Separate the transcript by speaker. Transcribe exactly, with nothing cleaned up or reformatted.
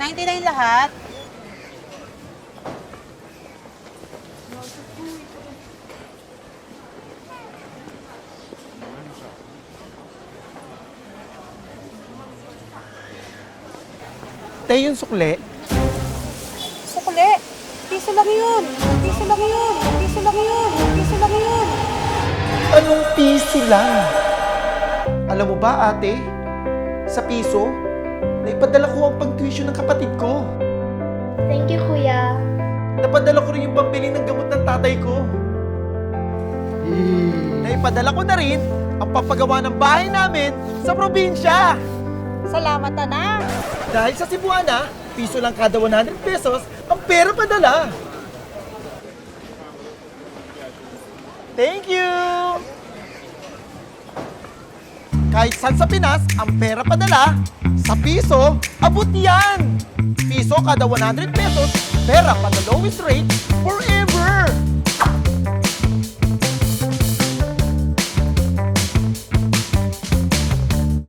Speaker 1: ninety-nine lahat.
Speaker 2: Tay, yung sukle.
Speaker 1: Sukli. Piso lang yun. Piso lang yun. Piso lang yun. Piso lang yun.
Speaker 2: Anong piso lang? Alam mo ba, ate? Sa piso, naipadala ko ang pag-tuition ng kapatid ko.
Speaker 3: Thank you, Kuya.
Speaker 2: Napadala ko rin yung pambili ng gamot ng tatay ko. Naipadala ko na rin ang papagawa ng bahay namin sa probinsya.
Speaker 1: Salamat, anak.
Speaker 2: Dahil sa Cebuana, piso lang kada one hundred pesos ang pera padala. Thank you! Kahit saan sa Pinas, ang pera padala, sa piso, abot yan! Piso kada one hundred pesos, pera pa the lowest rate forever!